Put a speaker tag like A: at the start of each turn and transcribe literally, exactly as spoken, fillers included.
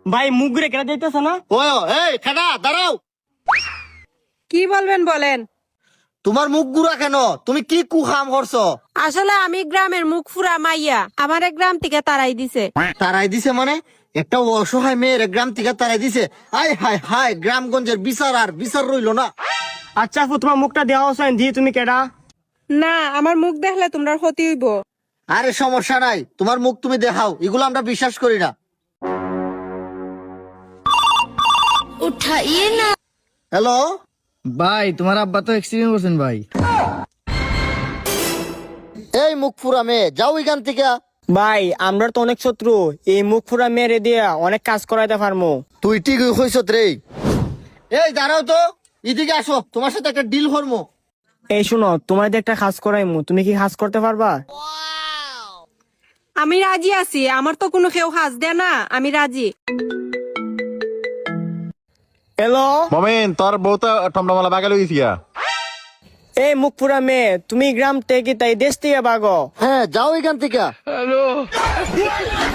A: ভাই মুখ ঘুরে কেটে যাইতেছে না?
B: ও এই খাটা দাঁড়াও।
C: কি বলবেন বলেন।
B: তোমার মুখ গুড়া কেন? তুমি কি কুহাম করছো?
C: আসলে আমি গ্রামের মুখ ফুরা মাইয়া, আমার গ্রাম থেকে তারাই দিছে।
B: তারাই দিছে মানে? একটা অসহায় মেয়ের গ্রাম থেকে তারাই দিছে? আয় হায় হায়, গ্রামগঞ্জের বিচার আর বিচার রইলো না।
A: আচ্ছা আপু, তোমার মুখটা দেওয়া হচ্ছে দিয়ে তুমি কেডা?
C: না, আমার মুখ দেখলে তোমরা ক্ষতি হইব।
B: আরে সমস্যা নাই, তোমার মুখ তুমি দেখাও, এগুলো আমরা বিশ্বাস করি না।
C: উঠাইয়ে না।
B: হ্যালো
D: ভাই, তোমার আব্বা তো এক্সিডেন্ট করছেন ভাই।
B: এই মুখ ফুরা মেয়ে, যাও এখান থেকে।
A: ভাই আমরা তো অনেক শত্রু, এই মুখ ফুরা মেরে দিয়া অনেক কাজ করাইতে পারমু।
B: তুই ঠিক হইছ রে। এই দাঁড়াও তো, এদিকে আসো, তোমার সাথে একটা ডিল করবো।
A: এই শুনো, তোমার দিয়ে একটা কাজ করাইমু, তুমি কি কাজ করতে পারবা?
C: আমি রাজি আছি, আমার তো কোনো কেউ হাজ দেয় না, আমি রাজি।
A: হ্যালো
E: মমিন, তোর বউ তো টমটমালা বাগাল হয়ে গেছিয়া।
A: এই মুখ পুরা মেয়ে, তুমি গ্রাম থেকে তাই দেশ থেকে বাগো।
B: হ্যাঁ যাও এখান থেকে।